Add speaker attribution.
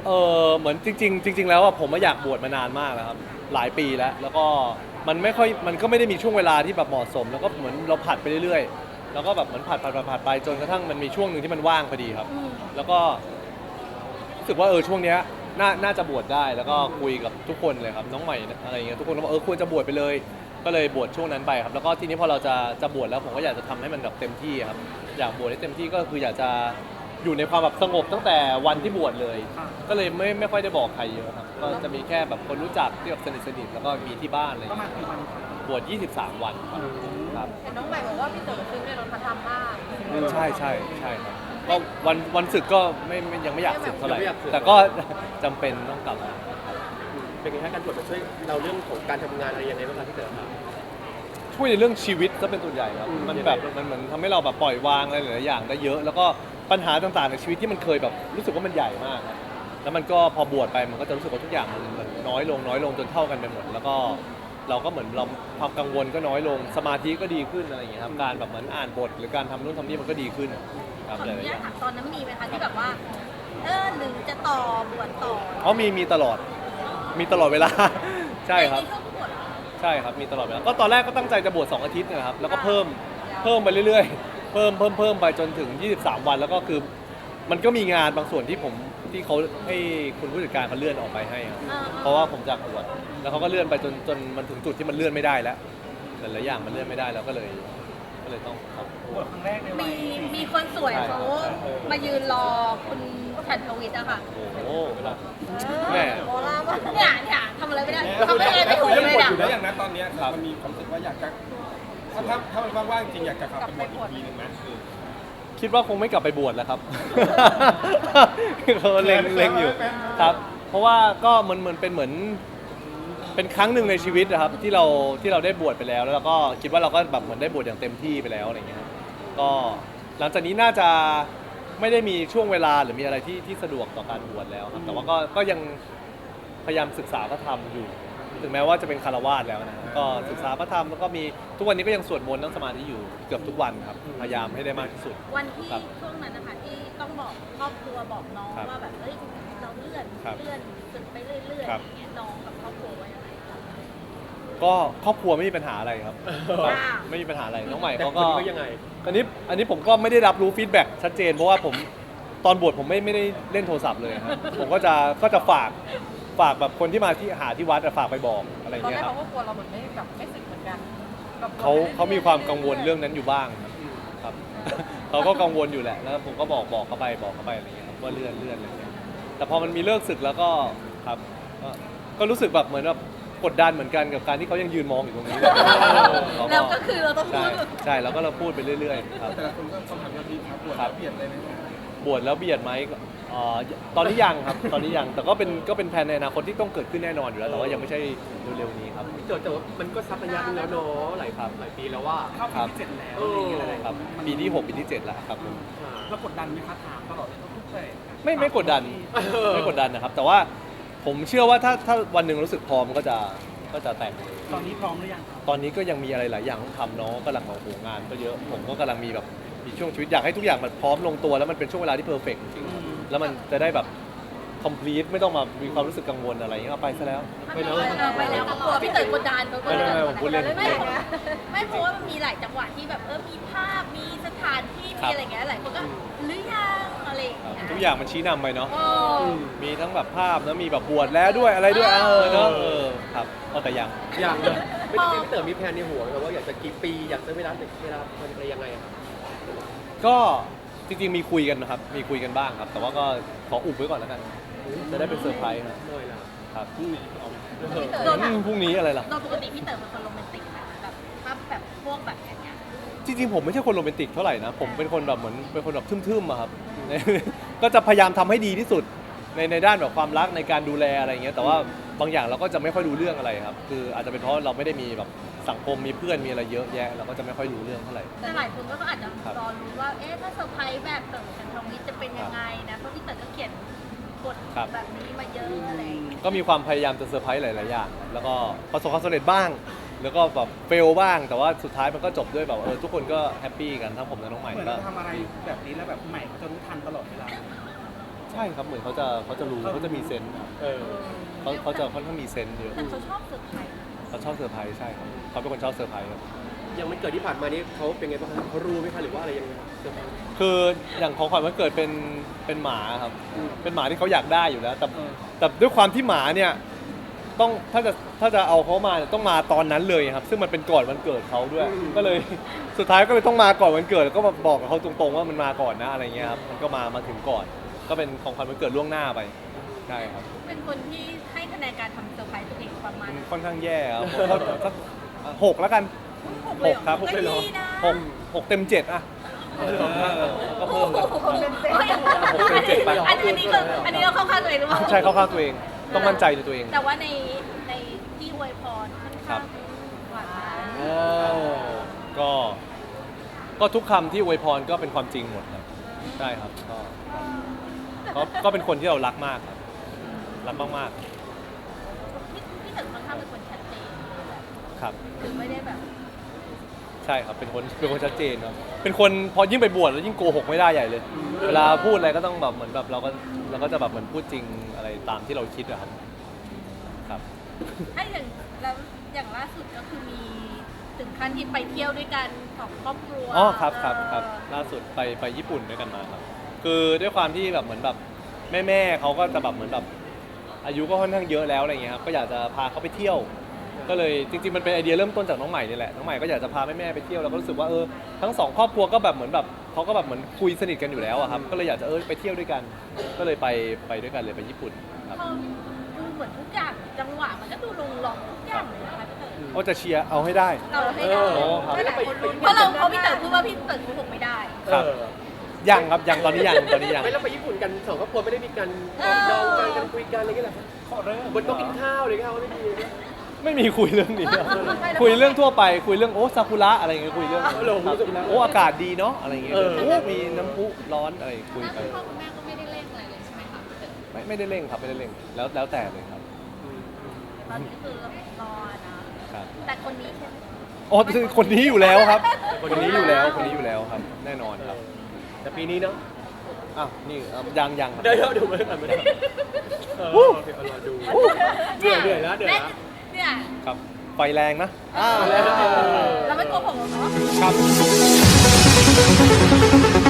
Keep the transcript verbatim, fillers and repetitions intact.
Speaker 1: เออเหมือนจริงๆจริงๆแล้วอะผมมาอยากบวชมานานมากแล้วครับหลายปีแล้วแล้วก็มันไม่ค่อยมันก็ไม่ได้มีช่วงเวลาที่แบบเหมาะสมแล้วก็เหมือนเราผัดไปเรื่อยๆแล้วก็แบบเหมือนผัดผัดผัดผัดไปจนกระทั่งมันมีช่วงหนึ่งที่มันว่างพอดีครับแล้วก็รู้สึกว่าเออช่วงเนี้ยน่าน่าจะบวชได้แล้วก็คุยกับทุกคนเลยครับน้องใหม่อะไรอย่างเงี้ยทุกคนก็บอกเออควรจะบวชไปเลยก็เลยบวชช่วงนั้นไปครับแล้วก็ทีนี้พอเราจะจะบวชแล้วผมก็อยากจะทำให้มันแบบเต็มที่ครับอยากบวชให้เต็มที่ก็คืออยากจะอยู่ในความแบบสงบตั้งแต่วันที่บวชเลย ก็เลยไม่ไม่ค่อยได้บอกใครเยอะครับก็จะมีแค่แบบคนรู้จักที่แบบสนิทสนิทแล้วก็มีที่บ้านอะไรอย่าง
Speaker 2: ประมาณ
Speaker 1: เงี้ย
Speaker 2: กี่วันครับ
Speaker 1: บวชยี่สิบสามวันครับครับ
Speaker 3: เห็นน้องใหม่บอกว่าพี่เต๋อซื้อในรถพระธรรมบ้าง
Speaker 1: ใช่ใช่ใช่ครับก็วันวันศึกก็ไม่ไม่ยังไม่อยากศึกเท่าไหร่
Speaker 4: ยังไม่อยากศึก
Speaker 1: แต่ก็ จำเป็นต้องกลับมา
Speaker 4: เป็นไงฮะการบวชมันช่วยเราเรื่องของการทำงานอะไรยังไงบ้างครับพี่เต๋อครับ
Speaker 1: ช่วยในเรื่องชีวิตก็เป็นส่วนใหญ่ครับ
Speaker 4: อืม
Speaker 1: มันแบบมันเหมือนทำให้เราแบบปล่อยวางอะไรหลายๆอย่างได้เยอะ แล้วก็ปัญหาต่างๆในชีวิตที่มันเคยแบบรู้สึกว่ามันใหญ่มากครับแล้วมันก็พอบวชไปมันก็จะรู้สึกว่าทุกอย่างมันมันน้อยลงน้อยลงจนเท่ากันไปหมดแล้วก็เราก็เหมือนเราความกังวลก็น้อยลงสมาธิก็ดีขึ้นอะไรอย่างเงี้ยครับการแบบเหมือนอ่านบทหรือการทำนู่นทำนี่มันก็ดีขึ้นครับ
Speaker 3: ขอ
Speaker 1: ห
Speaker 3: อ
Speaker 1: ลาย
Speaker 3: นุ
Speaker 1: ๆอ
Speaker 3: ญาต
Speaker 1: ย่าง
Speaker 3: ถามตอนนั้นมีไหมคะที่แบบว่า เออหรือจะต่อบวชต่อ
Speaker 1: อ๋อมีมีตลอดมีตลอดเวลา ใช่ครับ
Speaker 3: ในช่วงบวชเหรอ
Speaker 1: ใช่ครับมีตลอดเวลาก็ตอนแรกก็ตั้งใจจะบวชสองอาทิตย์เนะครับแล้วก็เพิ่มเพิ่มไปเรื่อยๆเพิ่มเพิ่มเพิ่มไปจนถึงยี่สิบสามวันแล้วก็คือมันก็มีงานบางส่วนที่ผมที่เขาให้คุณผู้จัดการเขาเลื่อนออกไปให้ครับ
Speaker 3: อ่
Speaker 1: เพราะว่าผมจากบวชแล้วเขาก็เลื่อนไปจนจนมันถึงจุดที่มันเลื่อนไม่ได้แล้วหลายๆอย่างมันเลื่อนไม่ได้แล้วก็เลยก็เลยต้องครับ
Speaker 2: บวชครั้งแรกในวั
Speaker 3: มี
Speaker 2: ยสี่
Speaker 3: มีคนสวยเขามายืนรอคุณฉันทวิทย์อะค่ะ
Speaker 1: โอ้โหเวลา
Speaker 3: แม่
Speaker 1: แม่
Speaker 3: โบราณมากเนี่ยเนี่ยทำอะไรไม่ได้ทำอะไรไม่ถูก
Speaker 5: เรื่อง
Speaker 3: เลย
Speaker 5: บท
Speaker 3: อะ
Speaker 5: อยู่แล้วอย่างนั้นตอนเนี้ย
Speaker 1: ครับ
Speaker 5: มันมีความรู้สึกว่าอยากจะถ้าถ้าถ้ามันว่างๆจริงอยากจะกลับไปบวชอีกทีหนึ่งไหม
Speaker 1: คิดว่าคงไม่กลับไปบวชแล้วครับ เขาเล็งเล็งอยู่ครับ เพราะว่าก็มันเหมือนเป็นเหมือนเป็นครั้งหนึ่งในชีวิตนะครับที่เราที่เราได้บวชไปแล้วแล้วเราก็คิดว่าเราก็แบบเหมือนได้บวชอย่างเต็มที่ไปแล้วอะไรเงี้ยครับก็หลังจากนี้น่าจะไม่ได้มีช่วงเวลาหรือมีอะไรที่ที่สะดวกต่อการบวชแล้วครับแต่ว่าก็ก็ยังพยายามศึกษาพระธรรมอยู่ ถึงแม้ว่าจะเป็นคารวาสแล้วนะก็ศึกษาพระธรรมแล้วก็มีทุกวันนี้ก็ยังสวดมนต์นั่งสมาธิอยู่เกือบทุกวันครับพยายามให้ได้มากที่สุด
Speaker 3: วันที่
Speaker 1: ครับ
Speaker 3: ช่วงนั้นนะคะที่ต้องบอกครอบครัวบอกน้อง
Speaker 1: ครับ
Speaker 3: ว่าแบบเอ้ยเราเลื่อน
Speaker 1: ครับ
Speaker 3: เลื่อนสึกไปเรื่อยๆอ
Speaker 1: ครับ
Speaker 3: ย่างเงี้ยน้องกับครอบครัวว่ายังไงคะ
Speaker 1: ก็ครอบครัวไม่มีปัญหาอะไรครับ
Speaker 3: ว้าว
Speaker 1: ไม่มีปัญหาอะไรน้องใหม่
Speaker 4: แต่
Speaker 1: เขา
Speaker 4: ค
Speaker 1: ก็
Speaker 4: นนี้ก็ยังไง
Speaker 1: อันนี้อันนี้ผมก็ไม่ได้รับรู้ฟีดแบ็กชัดเจนเพราะว่าผมตอนบวชผมไม่ไม่ได้เล่นโทรศัพท์เลยครับผมก็จะก็จะฝากฝากแบบคนที่มาที่หาที่วัดอะฝากไปบอกอะไร
Speaker 6: ตอน
Speaker 1: เงี้
Speaker 6: แร
Speaker 1: ย
Speaker 6: ก
Speaker 1: ครับ
Speaker 6: เขาก็กลัวเราเหมือนไม่แบบไม่สึกเหมือนกันแบบ
Speaker 1: เขาเขามีความกังวลเรื่องนั้นอยู่บ้างครับ เขาก็กังวลอยู่แหละแล้วผมก็บอกบอกเขาไปบอกเขาไปอะไรเงี้ยครับว่าเลื่อนเลื่อนอะไรเงี้ยแต่พอมันมีเลิกศึกแล้วก็ครับก็ก็รู้สึกแบบเหมือนแบบกดดันเหมือนกันกับการที่เขายังยืนมองอยู่ตรงนี้เรา
Speaker 3: แล้วก็คือเราต้องพู
Speaker 1: ใช่
Speaker 3: ด
Speaker 1: ใช่แล้วก็เราพูดไปเรื่อยๆครับ
Speaker 5: แต่ละคนก็คำถามยอดฮิตครับบวช
Speaker 1: ครั
Speaker 5: แล้
Speaker 1: บ
Speaker 5: วเปลี่ยนเลยไหม
Speaker 1: บวชแล้วเบียดไหมก็เอ่อตอนนี้ยังครับ ตอนนี้ยังแต่ก็เป็นก็เป็นแผนในอนาคตที่ต้องเกิดขึ้นแน่นอนอยู่แล้วแต่ว่ายังไม่ใช่เร็วๆนี้ครับ
Speaker 4: พี่เต๋อแต่ว่ามันก็สักระยะหนึงแล้วเนาะหลาย
Speaker 1: ครับ
Speaker 4: หลายปีแล้วว่า
Speaker 2: เข้าปีที่เจ็ดแล้ว
Speaker 4: เอ
Speaker 2: อะไร
Speaker 4: อ
Speaker 2: อย่างเงี้ย
Speaker 1: ครับปีที่หกปีที่เจ็ดแล้วครับผม
Speaker 2: แล้วกดดันไหมคะถามตลอดเลยทุกๆเลย
Speaker 1: ไม่ไม่กดดันไม่กดดันนะครับ แต่ว่าผมเชื่อว่าถ้าถ้าวันหนึ่งรู้สึกพร้อมก็จะก็จะแต่ง
Speaker 2: ตอนนี้พร้อมหรือยังครับ
Speaker 1: ตอนนี้ก็ยังมีอะไรหลายอย่างต้องทำเนาะกำลังของโหงานก็เยอะผมก็กำลังมีแบบมีช่วงชีวิตอยากให้ทุกอย่างมันพร้อมลงตัวแล้วมันเป็นช่วงเวลาที่เพอร์เฟกต์จริงๆแล้วมันจะได้แบบ complete ไม่ต้องมามีความรู้สึกกังวลอะไรอย่างเงี้ยเอาไปซะแล้ว
Speaker 3: ไปแล้วไปแล้วก็กลัวพี่เต๋อกดดันเขาก็
Speaker 1: ไม่ไม่ไม่ผมพูดเล่น
Speaker 3: ไม่ไม่เพราะว่ามันมีหลายจังหวะที่แบบเออมีภาพมีสถานที่
Speaker 1: ครั
Speaker 3: มี
Speaker 1: บ
Speaker 3: อะไรอย่างเงี้ยหลายคนก็หรือยังอะไรอย่างเงี้ย
Speaker 1: ทุกอย่างมันชี้นำไปเนาะ
Speaker 3: โอ้
Speaker 1: มีทั้งแบบภาพแล้วมีแบบบวชแล้วด้วยอะไรด้วยเออเนาะเออครับเอาแต่ยัง
Speaker 4: อย่างเลยไม่ได้พี่เต๋อมีแผนในหัวไหมครับว่าอยากจะกี่ปีอยากจะเวลาเวลามันอะไรยังไงอะครับ
Speaker 1: ก็จริงๆมีคุยกันนะครับ มีคุยกันบ้างครับ แต่ว่าก็ขออุบไว้ก่อนแล้วกัน จะได้เป็นเซอร์ไพรส์ครับ
Speaker 4: หน่อยละ
Speaker 1: ครับ
Speaker 3: พี่เต๋อ
Speaker 1: อืมพรุ่งนี้อะไรล่ะ
Speaker 3: โดยปกติพี่เต๋อเป็นคนโรแมนติกไหมคะแบบภาพแบบพวกแบบอย่างเงี้ย
Speaker 1: จริงๆผมไม่ใช่คนโรแมนติกเท่าไหร่นะ ผมเป็นคนแบบเหมือนเป็นคนแบบทึ่มๆอะครับ ก็จะพยายามทำให้ดีที่สุดในในด้านแบบความรักในการดูแลอะไรอย่างเงี้ย แต่ว่าบางอย่างเราก็จะไม่ค่อยรู้เรื่องอะไรครับ คืออาจจะเป็นเพราะเราไม่ได้มีแบบสังคมมีเพื่อนมีอะไรเยอะแยะ เราก็จะไม่ค่อยรู้เรื่องเท่าไหร่
Speaker 3: แต่หลายคนก็อาจจะ
Speaker 1: ครับ
Speaker 3: รอรู้ว่า เอ๊ะ ถ้าเซอร์ไพรส์แบบเต๋อชันทวิทย์จะเป็นยังไงนะ เพราะพี่เต๋อก็เขียนบท
Speaker 1: ครับ
Speaker 3: แบบนี้มาเยอะอะไรอย่างเงี้ย
Speaker 1: ก็มีความพยายามจะเซอร์ไพรส์หลาย ๆ อย่าง แล้วก็ประสบความสำเร็จบ้าง แล้วก็แบบเฟลบ้าง แต่ว่าสุดท้ายมันก็จบด้วยแบบเออทุกคนก็แฮปปี้กันทั้งผมและน้องใหม่
Speaker 2: เหมือน
Speaker 1: ก็
Speaker 2: เราทำอะไรแบบนี้แล้วแบบใหม่เขาจะรู้ทันตลอดเวลา
Speaker 1: ใช่ช่ครับเหมือนเขาจะเขาจะรู้เขาจะมีเซนส์ครับ
Speaker 4: เออ
Speaker 1: เขาเขาจะค่อนข้างมีเซนส์เยอะ
Speaker 3: แต่เขาชอบเซอร์ไพรส์
Speaker 1: เขาชอบเซอร์ไพรส์ใช่ครับเขาเป็นคนชอบเซอร์ไพรส์ครับ
Speaker 4: ยังไม่เกิดที่ผ่านมานี้เขาเป็นไงบ้างครับเขารู้ไหมคะหรือว่าอะไรยังไงเซอร์ไพรส์
Speaker 1: คืออย่างของขวัญวันเกิดเป็นเป็นหมาครับเป็นหมาที่เขาอยากได้อยู่แล้วแต่แต่ด้วยความที่หมาเนี่ยต้องถ้าจะถ้าจะเอาเขามาเนี่ยต้องมาตอนนั้นเลยครับซึ่งมันเป็นก่อนวันเกิดเขาด้วย ก็เลยสุดท้ายก็เลยต้องมาก่อนวันเกิดแล้วก็มาบอกกับเขาตรงๆว่ามันมาก่อนนะอะไรเงี้ยครับมันก็มามาถึงก่อน ก็เป็นของขวัญวันเกิดล่วงหน้าไปใช่ครับ
Speaker 3: เป็นคนที่ให้คะแนนการทำเซอร์ไพรส์ตัวเองประมาณ
Speaker 1: มันค่อนข้างแย่ครับผมก็สักหกแล้วกัน หกครับ
Speaker 3: ก็ดีนะ
Speaker 1: หกหกเต็มเจ็ดอะก็เพิ่มเลย
Speaker 3: อันนี้อันนี้ก็อันนี้เราเข้าข้างตัวเองหรือเปล่า
Speaker 1: ใช่เข้าข้างตัวเองต้องมั่นใจในตัวเอง
Speaker 3: แต่ว่าในในที่อวยพรค่อน
Speaker 1: ครั
Speaker 3: ข้า
Speaker 1: บ
Speaker 3: งหวาน
Speaker 1: ก็ก็ทุกคำที่อวยพรก็เป็นความจริงหมดครับใช่ครับก็ก็ก็เป็นคนที่เรารักมากครับรักมาก
Speaker 3: พี่พี่ถึงค่อนข้างเป็นคนชัดเจน
Speaker 1: ๆครับ
Speaker 3: คือไม่ได้แบบ
Speaker 1: ใช่ครับเป็นคนเป็นคนชัดเจนครับเป็นคนพอยิ่งไปบวชแล้วยิ่งโกหกไม่ได้ใหญ่เลย เวลาพูดอะไรก็ต้องแบบเหมือนแบบเราก็เราก็จะแบบเหมือนพูดจริงอะไรตามที่เราคิดอะครับครับ
Speaker 3: ถ้าอย่างแล้วอย่างล่าสุดก็คือมีถึงขั้นที่ไปเที่ยวด้วยกันของครอบครัว
Speaker 1: อ๋อครับครับครับ
Speaker 3: เออ
Speaker 1: ล่าสุดไปไปญี่ปุ่นด้วยกันมาครับ คือด้วยความที่แบบเหมือนแบบแม่แม่ๆเขาก็จะแบบเหมือนแบบอายุก็ค่อนข้างเยอะแล้วอะไรเงี้ยครับก็อยากจะพาเขาไปเที่ยว ก็เลยจริงๆมันเป็นไอเดียเริ่มต้นจากน้องใหม่นี่แหละน้องใหม่ก็อยากจะพาแม่แม่ๆไปเที่ยวแล้วก็รู้สึกว่าเออทั้งสองครอบครัวก็แบบเหมือนแบบเขาก็แบบเหมือนคุยสนิทกันอยู่แล้วอะครับก็เลยอยากจะเออไปเที่ยวด้วยกัน ก็เลยไปไปด้วยกันเลยไปญี่ปุ่นครับ
Speaker 3: เขาดูเหมือนทุกอย่างจังหวะมันก็ดูลงล็อกทุกอย่างเลยนะคะพี่เต๋อ
Speaker 1: ก็จะเชียร์เอาให้ได้
Speaker 3: เราให้ได้
Speaker 1: โอ้ครับ
Speaker 3: หลายคนลุ้นเพราะเราเพราะพี่เต๋อพูดว่าพี่เต๋อโกหกไม่ได้
Speaker 1: ครับ
Speaker 4: เออ
Speaker 1: ยังครับยังตอนนี้ยังตอนนี้ยัง
Speaker 4: ไม่แล้วไปญี่ปุ่นกันสองครอบครัวไม่ได้มีการ
Speaker 3: เออ
Speaker 4: ดองกันกันคุยกันอะไรกันเหรอ
Speaker 2: ขอเริ่ม
Speaker 4: บนโต๊ะกินข้าวเลยครับไม่มี
Speaker 1: ไม่มีคุยเรื่องนี้ครับคุยเรื่องทั่วไปคุยเรื่องโอ้ซากุระอะไรเงี้ยคุยเรื่อง
Speaker 4: เออผมรู้สึกนะ
Speaker 1: โอ้อากาศดีเนาะอะไรเงี้ย
Speaker 4: เออ
Speaker 1: โอ้มีน้ำพุร้อนอะไรคุยไป
Speaker 3: พ่อคุณแม่ก็ไม่ได้เล่นอะไรเลยใช่ไหมคะพี่เต๋อ
Speaker 1: ไม่ไม่ได้เร่งครับไม่ได้เร่งแล้วแล้วแต่เลยครับ
Speaker 3: ตอนนี้คือรอนะครับ แต่คนนี้ใช่ไหม
Speaker 1: อ๋อคือคนนี้อยู่แล้วครับ คนนี้อยู่แล้วคนนี้อยู่แล้วครับ แน่นอนครับ
Speaker 4: แต่ปีนี้เนาะ
Speaker 1: อ้าวนี่เอ่อยังยังครับ
Speaker 4: เดี๋ยวเดี๋ยวเดี๋ยวไม่ได้ไม่ได้เออโอเคเอารอดู เหนื่อยเหนื่อยแล้วเหนื่อยแล้ว
Speaker 3: เนี่ย
Speaker 1: ครับไฟแรงนะอ่า
Speaker 4: แล้ว
Speaker 3: เราไม่โกหกหรอกเนาะ
Speaker 1: ครับ